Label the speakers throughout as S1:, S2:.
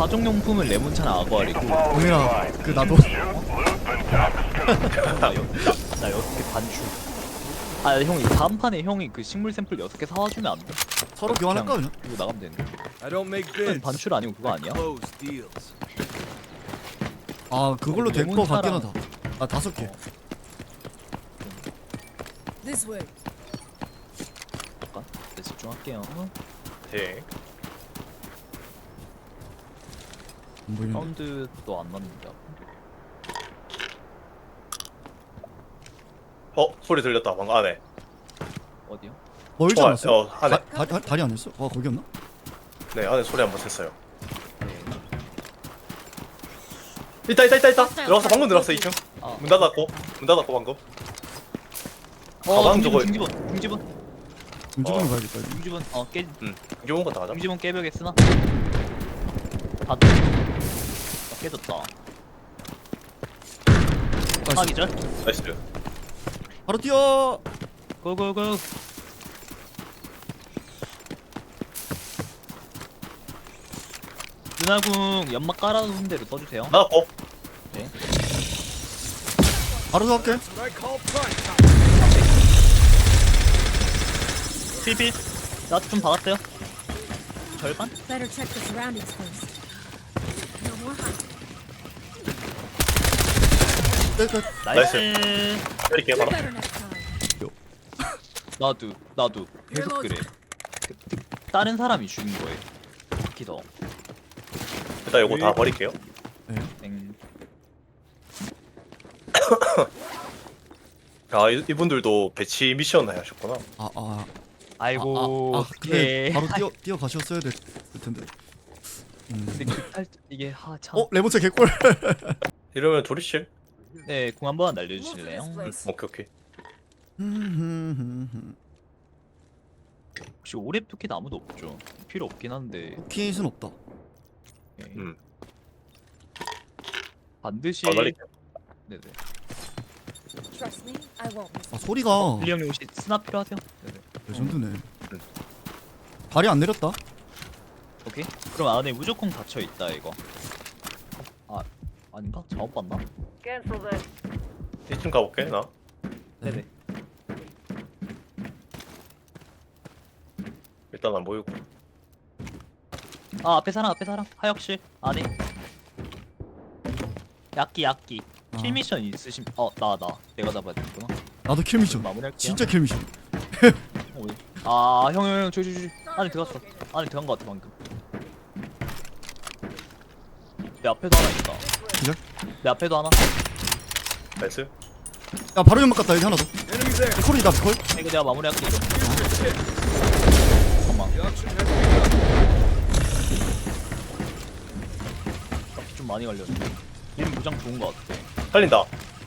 S1: 가정용품은 레몬차나 아쿠아리고.
S2: 동현아 그 나도
S1: 나 6개 반출. 아 형이 다음 판에 형이 그 식물 샘플 6개 사와주면 안 돼?
S2: 서로 교환할까 그냥?
S1: 이거 나가면 되는데.
S3: I don't make
S1: 그건
S3: bids.
S1: 반출 아니고 그거 아니야?
S3: Close deals.
S2: 아 그걸로 될 거 같긴
S1: 레몬차랑-
S2: 하다. 아 5개.
S4: This way.
S1: 잠깐. 네, 집중할게요.
S5: 네.
S2: 안 보이는데.
S1: 사운드도 안 났는데.
S5: 소리 들렸다 방금 안에.
S1: 어디요?
S2: 멀지 않았어?
S5: 안에.
S2: 다리 아니었어? 와 거기였나?
S5: 네 안에 소리 한번 쳤어요.
S1: 네.
S5: 있다. 들어갔어 방금 들어갔어 2층.
S1: 아.
S5: 문 닫았고 방금. 가방 저거.
S1: 중지분.
S2: 움직이면 가야겠다. 이거.
S1: 중지분. 깨.
S5: 이거 갔다 가자.
S1: 중지분 깨벽에 쓰나? 다 깨졌다.
S2: 나이스.
S1: 하나 기절.
S5: 나이스.
S2: 바로 뛰어.
S1: 고고고. 누나궁 연막 깔아놓은 대로 떠주세요.
S5: 나갔고.
S2: 바로 들어갈게.
S3: What I call prime time.
S1: 필필. 나 좀 박았어요. 절반?
S4: Better check the surroundings first. No more hiding.
S2: 끝.
S1: 나이스.
S5: 때릴게요 바로.
S4: Better next time.
S1: 나도 계속 그래. 다른 사람이 죽인 거예요. 특히 더.
S5: 일단 이거 다 버릴게요.
S1: 땡.
S5: 아 이분들도 배치 미션 하셨구나.
S1: 아이고.
S2: 근데
S1: 예.
S2: 바로 뛰어 가셨어야 될 텐데.
S1: 근데 이게 참.
S2: 레몬차 개꿀.
S5: 이러면 조리실.
S1: 네, 공 한번 날려주실래요?
S5: 오케이.
S1: 혹시 오랩 투킷 아무도 없죠? 필요 없긴 한데.
S2: 킷은 없다.
S1: 예. 반드시.
S5: 날릴게요.
S1: 네네.
S4: Trust me, I won't miss.
S2: 아 소리가
S1: 빌리 형님 혹시 스나 필요하세요? 네네.
S2: 레전드네. 다리 안 내렸다.
S1: 오케이. 그럼 안에 무조건 닫혀 있다 이거. 아닌가? 잘못 봤나?
S5: 1층 가볼게 나.
S1: 네네.
S5: 일단 안 보이고.
S1: 앞에 사람 하역실 안에. 야끼. 킬 미션 있으심? 나 내가 잡아야 되겠구나.
S2: 나도 킬 미션.
S1: 마무리할게요.
S2: 진짜 킬 미션.
S1: 형, 저기 안에 들어갔어. 안에 들어간 거 같아 방금. 내 앞에도 하나 있다.
S2: 기절?
S1: 내 앞에도 하나.
S5: 나이스.
S2: 야 바로 연막 갔다 여기 하나 더.
S3: Enemy there.
S2: 콜이다 콜.
S1: 이거 내가 마무리할게 이거. 잠깐만.
S3: The auction has begun.
S1: 값이 좀 많이 걸렸네. 얘는 무장 좋은 거 같아.
S5: 살린다.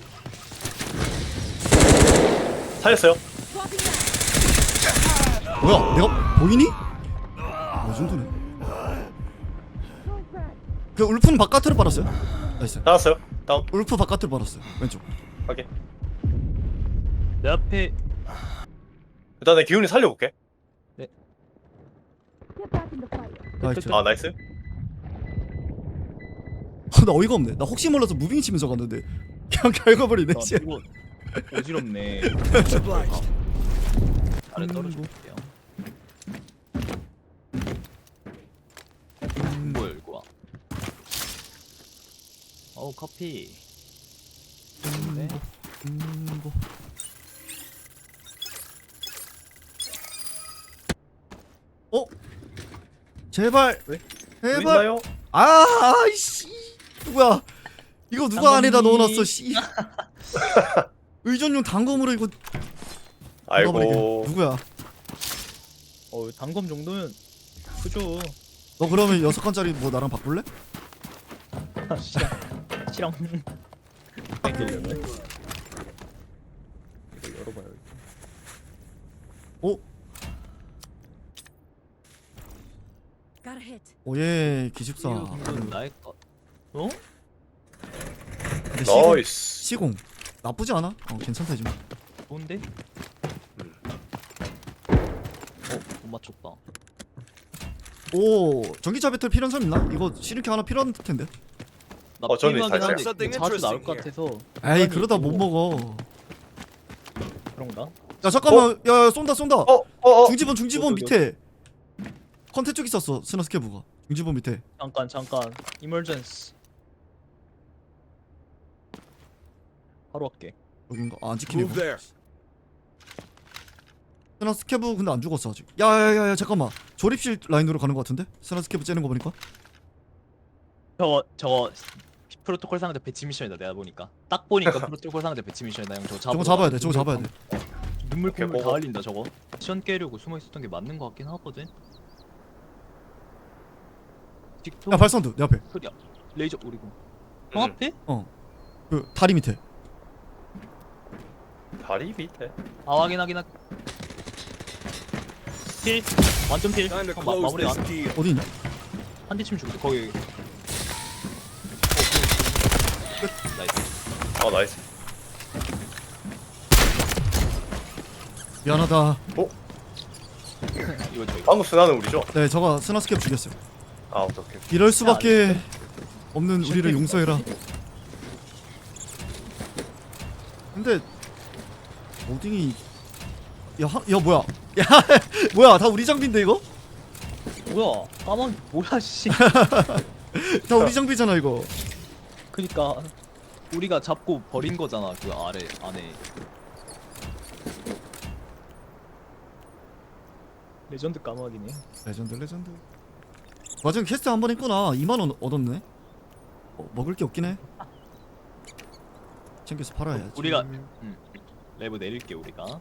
S5: 살렸어요.
S2: 뭐야 내가 보이니? 레전드네. 그 울프는 바깥으로 빨았어요. 나이스.
S5: 나왔어요. 다운.
S2: 울프 바깥으로 빨았어요. 왼쪽.
S5: 확인.
S1: 내 앞에
S5: 일단 내 기운이 살려볼게.
S4: Get back in the fight.
S2: 나이스.
S5: 아 나이스.
S2: 나 어이가 없네. 나 혹시 몰라서 무빙 치면서 갔는데 그냥 갈궈버리네. 씨.
S1: 이거 어지럽네.
S3: Much obliged.
S1: 아래 떨어질게요. 뭐야 이거 와. 커피. 네.
S2: 뭐. 제발.
S5: 왜?
S2: 제발.
S5: 있나요?
S2: 아이씨. 누구야? 이거 누가 안에다
S1: 당근이.
S2: 넣어놨어? 씨. 의전용 단검으로 이거 넣어버리게.
S5: 아이고.
S2: 누구야?
S1: 단검 정도면 그죠.
S2: 너 그러면 6칸짜리 뭐 나랑 바꿀래?
S1: 시랑. 땡기려네. 이거 열어봐요.
S2: 오,
S4: Got a hit.
S2: 오예 기숙사.
S1: 이건 나의 거. 어?
S2: 근데 시공,
S5: 나이스.
S2: 시공 나쁘지 않아? 괜찮다 지금.
S1: 좋은데? 못 맞췄다.
S2: 오 전기차 배터리 필요한 사람 있나? 이거 시리케 하나 필요한 텐데.
S1: 나
S5: 저는
S1: 필요하긴
S5: 있어요.
S1: 한데
S3: Something
S1: 자주 나올
S3: interesting
S1: 것 같아서.
S2: 에이 그러다 못 먹어.
S1: 그런가?
S2: 야 잠깐만 야 쏜다 쏜다. 중지본
S1: 어디,
S2: 밑에 컨테 쪽 있었어 스나스케브가. 중지본 밑에.
S1: 잠깐 이멀전스 바로 할게.
S2: 여긴가? 아, 안 찍히네.
S3: Move there.
S2: 스나스케브 근데 안 죽었어 아직. 야야야야 잠깐만. 조립실 라인으로 가는 것 같은데? 스나스케브 째는 거 보니까.
S1: 저거 프로토콜 상대 배치 미션이다. 내가 보니까 딱 보니까 프로토콜 상대 배치 미션이다. 형
S2: 저거 잡아야 돼. 저거 잡아야 돼.
S1: 눈물
S5: 오케이,
S1: 콧물 다
S5: 먹어.
S1: 흘린다 저거. 미션 깨려고 숨어 있었던 게 맞는 것 같긴 하거든. 틱톡
S2: 야 발사운드 내 앞에.
S1: 소리야. 레이저 오리고. 형 앞에?
S2: 그 다리 밑에.
S5: 다리 밑에.
S1: 아 확인. 필 완전 필.
S3: Time to
S1: 형,
S3: close
S1: 마무리
S3: this
S1: 안.
S3: deal.
S2: 어디 있냐?
S1: 한 대쯤 죽는데 거기. 끝. 나이스.
S5: 나이스.
S2: 미안하다.
S1: 이거 저기.
S5: 방금 순환은 우리죠?
S2: 네 저가 스나스케브 죽였어요.
S5: 아 오케이.
S2: 이럴 수밖에 없는 우리를 용서해라. 근데 오딩이 야 뭐야? 야 뭐야? 다 우리 장비인데 이거?
S1: 뭐야? 까만 뭐야 씨.
S2: 다 우리 장비잖아 이거.
S1: 그니까 우리가 잡고 버린 거잖아 그 아래 안에. 레전드 까마귀네.
S2: 레전드. 마지막 퀘스트 한 번 했구나. 2만 원 얻었네. 먹을 게 없긴 해. 챙겨서 팔아야지.
S1: 우리가 레브 내릴게 우리가.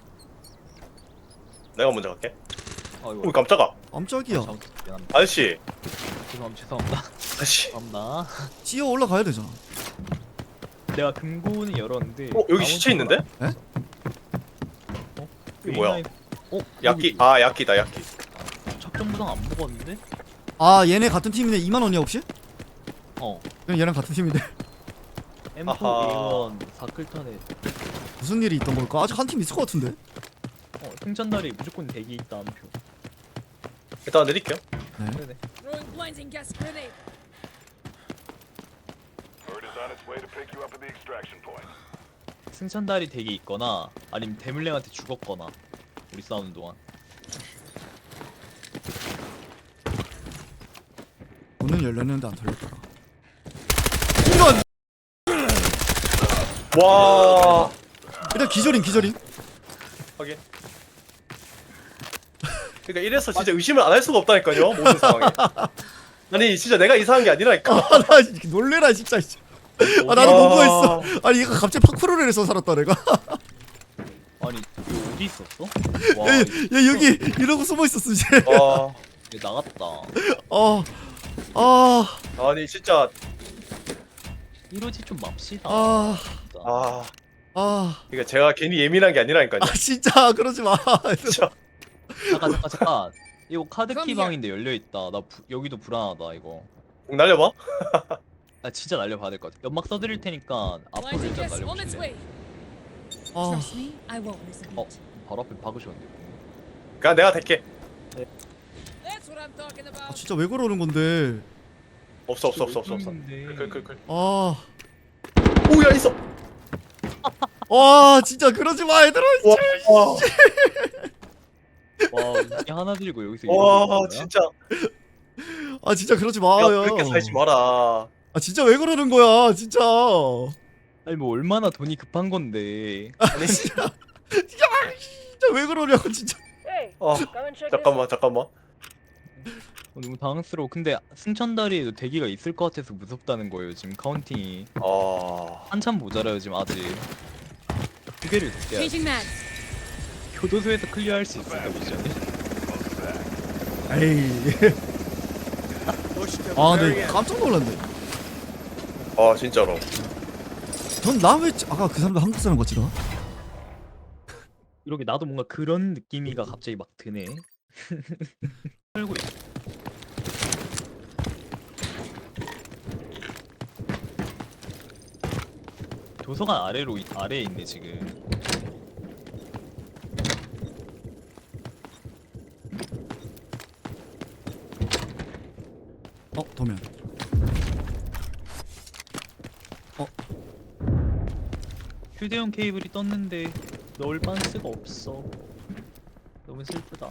S5: 내가 먼저 갈게.
S1: 아이고.
S5: 오 깜짝아.
S2: 깜짝이야.
S1: 미안합니다.
S5: 아저씨.
S1: 죄송합니다.
S5: 아저씨.
S1: 죄송합니다.
S2: 찌어 올라가야 되잖아.
S1: 내가 금고는 열었는데.
S5: 여기 시체 있는데? 이게 뭐야? 야끼. 아 야끼다 야끼.
S1: 작전 부상 안 먹었는데?
S2: 아 얘네 같은 팀이네. 2만 원이야 혹시?
S1: 어.
S2: 그냥 얘랑 같은 팀인데.
S1: M4
S5: 아하.
S1: A1 사클탄에
S2: 무슨 일이 있던 걸까? 아직 한 팀 있을 것 같은데.
S1: 승천날이 무조건 대기 있다 한 표.
S5: 일단 내릴게요.
S1: 네네.
S4: Throwing blinding gas grenade.
S6: Bird is on its way to pick you up at the extraction point.
S1: 승천달이 대기 있거나 아니면 대물랭한테 죽었거나 우리 싸우는 동안.
S2: 문은 열렸는데 안 털렸더라. 이런.
S5: 와.
S2: 일단 기절인.
S5: 확인. 그러니까 이래서 진짜 의심을 안 할 수가 없다니까요 모든 상황에. 아니 진짜 내가 이상한 게 아니라니까.
S2: 나 놀래라 진짜. 아 나도 공부했어. 아니 얘가 갑자기 파쿠르를 해서 살았다 내가.
S1: 아니 이거 어디 있었어? 와
S2: 야 여기 이러고 숨어 있었어 이제.
S5: 와.
S1: 얘 나갔다.
S5: 아니 진짜.
S1: 이러지 좀 맙시다. 진짜.
S5: 그러니까 제가 괜히 예민한 게 아니라니까요.
S2: 진짜 그러지 마.
S5: 진짜.
S1: 잠깐. 이거 카드키 방인데 열려 있다. 나 여기도 불안하다 이거.
S5: 공 날려봐.
S1: 나 진짜 날려봐야 될 것 같아. 연막 써드릴 테니까 앞으로
S4: Blinding
S1: 일단
S4: gas on its
S1: 날려보실래?
S4: way. Trust me, I won't miss a beat.
S1: 바로 앞에 박으셨는데.
S5: 그냥 내가 될게.
S4: That's what I'm talking about.
S2: 진짜 왜 그러는 건데?
S5: 없어.
S1: 있는데.
S5: 클.
S2: 아,
S5: 오야 있어.
S2: 와 진짜 그러지 마 얘들아.
S5: 와.
S1: 와 우리 하나 들고 여기서
S5: 와
S1: 이러고 있는 거야?
S5: 진짜.
S2: 아 진짜 그러지
S5: 야
S2: 마요.
S5: 그렇게 살지 마라.
S2: 아 진짜 왜 그러는 거야 진짜.
S1: 아니 뭐 얼마나 돈이 급한 건데.
S2: 아니 진짜 진짜 왜 그러냐고 진짜.
S5: 잠깐만.
S1: 너무 당황스러워. 근데 승천다리에도 대기가 있을 것 같아서 무섭다는 거예요. 지금 카운팅이 한참 모자라요 지금 아직. 두 개를 더 깨야 돼.
S4: Changing mags.
S1: 교도소에서 클리어할 수 있을까 미션을?
S2: 에이.
S3: Push to the
S2: 아
S3: very
S2: 근데
S3: end.
S2: 깜짝 놀랐네.
S5: 아 진짜로.
S2: 전나왜 아까 그 사람들 한국 사람 같지나?
S1: 이렇게 나도 뭔가 그런 느낌이가 갑자기 막 드네. 살고 있어. 도서관 아래에 있네 지금.
S2: 도면.
S1: 휴대용 케이블이 떴는데 넣을 반스가 없어. 너무 슬프다.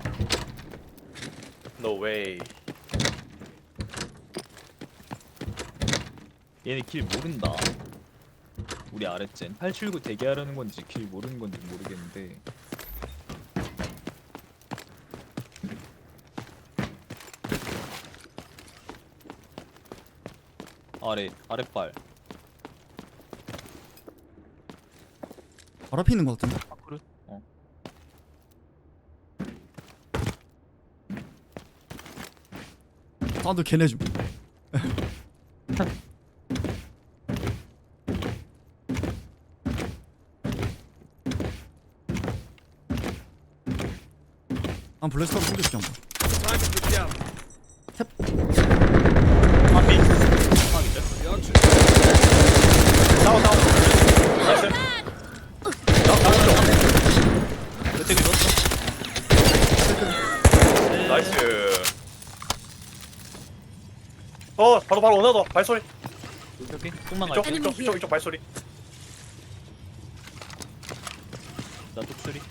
S5: No way.
S1: 얘네 길 모른다. 우리 아랫젠 879 대기하려는 건지 길 모르는 건지 모르겠는데. 아랫발.
S2: 바로 앞에 있는 것 같은데.
S1: 아 그래? 어.
S2: 사운드 걔네 좀. 한 블래스터 쏘겠지 한번.
S3: Time to get down.
S1: 하비. 하비죠?
S5: 다운. 나이스.
S1: 몇 대기 넣었어?
S5: 나이스. 바로 원하더 발소리.
S1: 여기 똥만
S5: 이쪽
S1: 갈게.
S5: 이쪽 발소리.
S1: 나 뚝소리.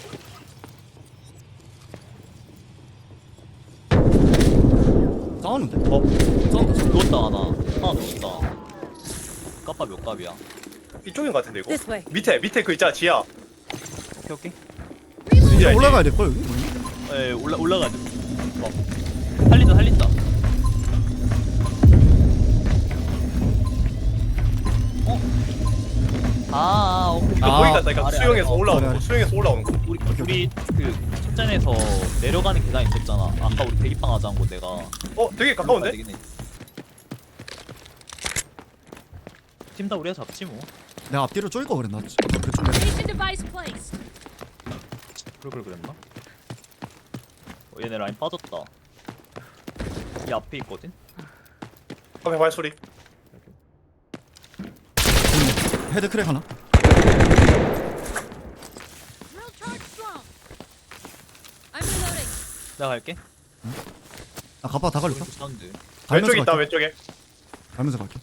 S2: 싸우는데?
S1: 싸운다. 누웠다 하나 누웠다. 까빠 몇 갑이야?
S5: 이쪽인 것 같은데 이거.
S4: This way.
S5: 밑에 그 있잖아 지하.
S1: 오케이.
S5: 진짜 알지?
S2: 올라가야 될걸 여기? 뭐니?
S1: 에 올라가야 돼. 살린다. 오케이.
S5: 이거 보이다니까
S1: 아래,
S5: 수영에서
S1: 아래.
S5: 올라오는
S2: 아래,
S5: 거.
S2: 아래.
S5: 수영에서 올라오는 거.
S1: 우리 그 첫전에서 내려가는 계단 있었잖아. 아까 우리 대기빵 하자는 거 내가.
S5: 되게 가까운데?
S1: 되긴 해. 팀 다 우리가 잡지 뭐.
S2: 내가 앞뒤로 쫄 거 그랬나? 그쪽 내려.
S4: Station device placed.
S1: 그걸 그랬나? 얘네 라인 빠졌다. 이 앞에 있거든.
S5: 앞에 발소리.
S2: 헤드 크랙 하나.
S4: Drill charge strong. I'm reloading.
S1: 내가 갈게.
S2: 나 가빠 다 걸렸어.
S1: 오른쪽 사운드.
S5: 왼쪽에 있다
S2: 갈게.
S5: 왼쪽에.
S2: 가면서 갈게.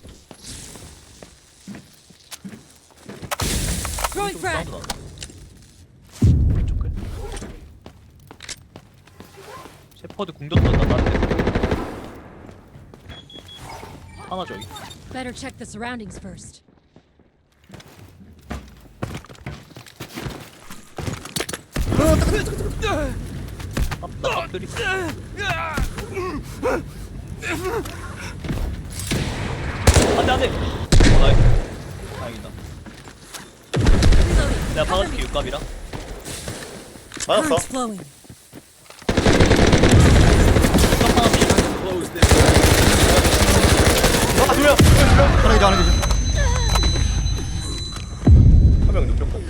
S4: Throwing
S1: 오른쪽
S4: frag.
S1: 사운드 나네. 왼쪽 끝. 셰퍼드 궁전 던다 다른 데. 하나 저기.
S4: Better check the surroundings first.
S1: 나 깍들이. 안돼. 나이스. 다행이다.
S4: Reloading.
S1: 내가 박아줄게 육갑이랑.
S5: 맞았어.
S4: Currents flowing.
S5: 두 명.
S2: 하나 이제 하나 이제.
S5: 한 명 눕혔고.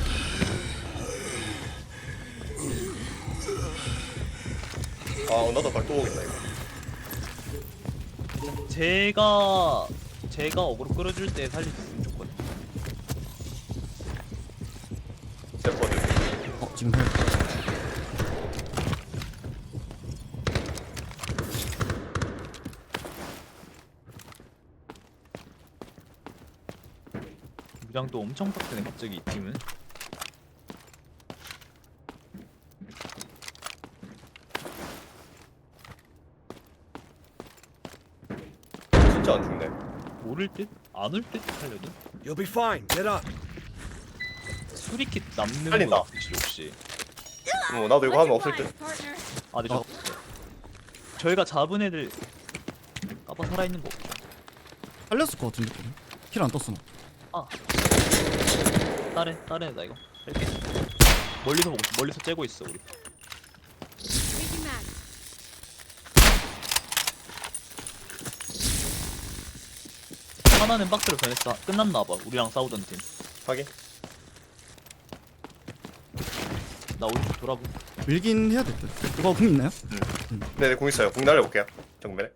S5: 나도 발또 오겠다 이거.
S1: 제가 어그로 끌어줄 때 살려줬으면 좋거든.
S5: 셰퍼드.
S2: 지금 해.
S1: 무장도 엄청 빡세네 갑자기 이 팀은.
S5: 진짜 안 죽네.
S1: 모를 듯? 안 올 듯? 살려도?
S3: You'll be fine. Get up.
S1: 수리킷 남는
S5: 살린다.
S1: 거 없으시 혹시?
S5: 나도 이거 하면 없을 듯.
S4: partner.
S1: 아 근데 저희가 잡은 애들 까봐 살아있는 거 없죠?
S2: 살렸을 것 같은데. 킬 안 떴어. 나.
S1: 다른 애다 이거 뺄게. 멀리서 째고 있어 우리.
S4: Changing mag.
S1: 하나는 박스로 변했어. 끝났나봐 우리랑 싸우던 팀.
S5: 확인.
S1: 나 오른쪽 돌아보.
S2: 밀긴 해야 될 듯. 이거 궁 있나요?
S5: 네네 공 있어요. 공 날려볼게요. 정면에.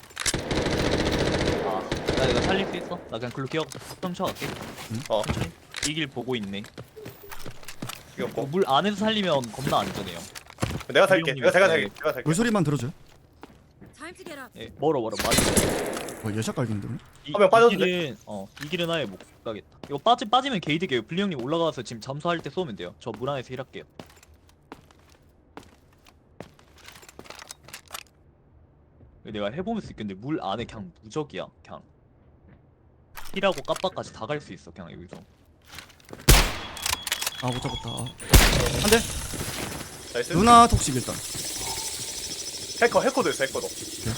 S1: 나 이거 살릴 수 있어? 나 그냥 글로 기억 훔쳐갈게.
S5: 어.
S1: 천천히. 이 길 보고 있네.
S5: 이겼고.
S1: 물 안에서 살리면 겁나 안전해요.
S5: 내가 살게. 내가 탈게.
S2: 물소리만 들어줘요.
S4: Time to get up.
S1: 예, 멀어 맞아.
S2: 예샷 갈긴데.
S5: 한명 빠졌는데?
S1: 이 길은 아예 못 가겠다. 이거 빠지면 게이드게요. 블리 형님 올라가서 지금 잠수할 때 쏘면 돼요. 저 물 안에서 힐할게요. 내가 해보면서 느꼈는데 물 안에 그냥 무적이야. 그냥 힐하고 깜빡까지 다 갈 수 있어. 그냥 여기서.
S2: 아 못 잡았다. 한대.
S5: 나이스.
S2: 누나 톡식 일단.
S5: 해커도 있어 해커도.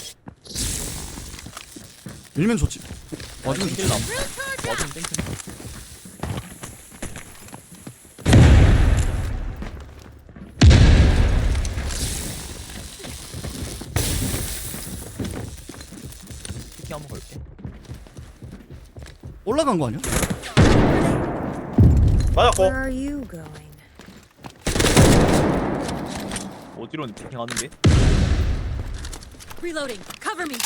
S2: 밀면 좋지. 맞으면 좋지.
S1: 땡길라. 맞으면 땡긴다. 특히 한번 걸게.
S2: 올라간 거 아니야?
S5: 맞았고.
S4: Where are you going?
S1: 어디로 피킹하는 게?
S4: Reloading. Cover me.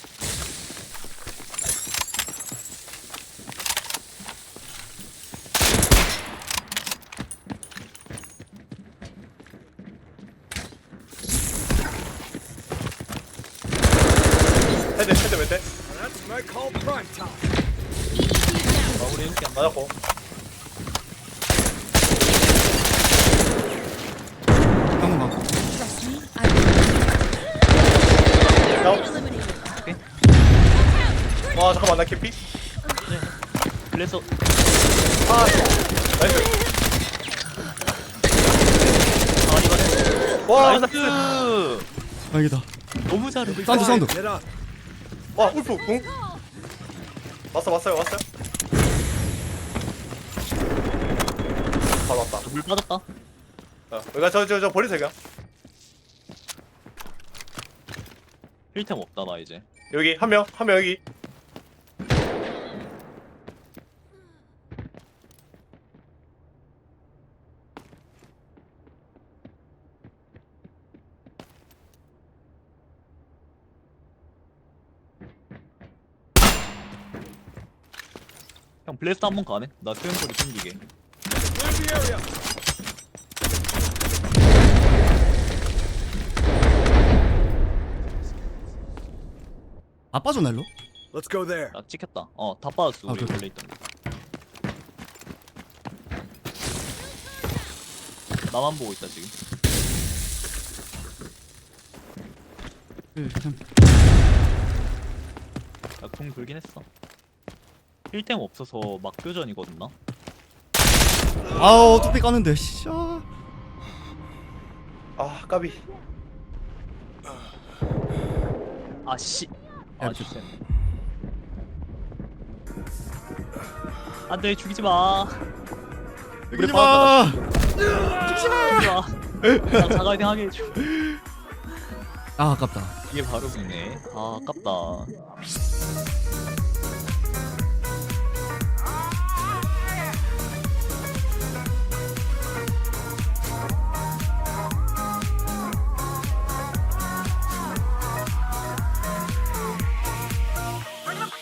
S5: 헤드 몇 대?
S3: That's what I call prime time.
S1: 마무리 이렇게 안
S5: 맞았고.
S2: 한번 가.
S4: Trust me. I
S5: 다운.
S4: eliminated.
S5: 와 잠깐만 나 캐피.
S1: 그래서
S5: 아 나이스. 와 나이스.
S1: 나이스.
S2: 다행이다.
S1: 너무 잘해.
S2: 사운드 사운드.
S3: Get up.
S5: 와 울프 궁. 왔어요. 바로 왔다.
S1: 물 빠졌다.
S5: 여기가 저 버리세요 그냥.
S1: 힐템 없다 나 이제.
S5: 여기 한 명 여기.
S1: 형 블래스트 한번 가네. 나 수영 소리 숨기게.
S3: Clear the area.
S2: 아 빠졌나 일로?
S3: Let's go there.
S1: 나 찍혔다. 다 빠졌어.
S2: 아,
S1: 우리
S2: 그래.
S1: 원래 있던 거. 나만 보고 있다 지금. 나궁 돌긴 했어. 힐템 없어서 막교전이거든 나.
S2: 아우 뚝배 까는데. 씨. 아.
S5: 아 까비.
S1: 아씨.
S2: 야,
S1: 아 진짜. 안돼 죽이지 마.
S2: 죽이지 마.
S1: 죽이지 마. 나 자가이팅 하게 해줘.
S2: 아 아깝다.
S1: 이게 바로 그네. 아 아깝다.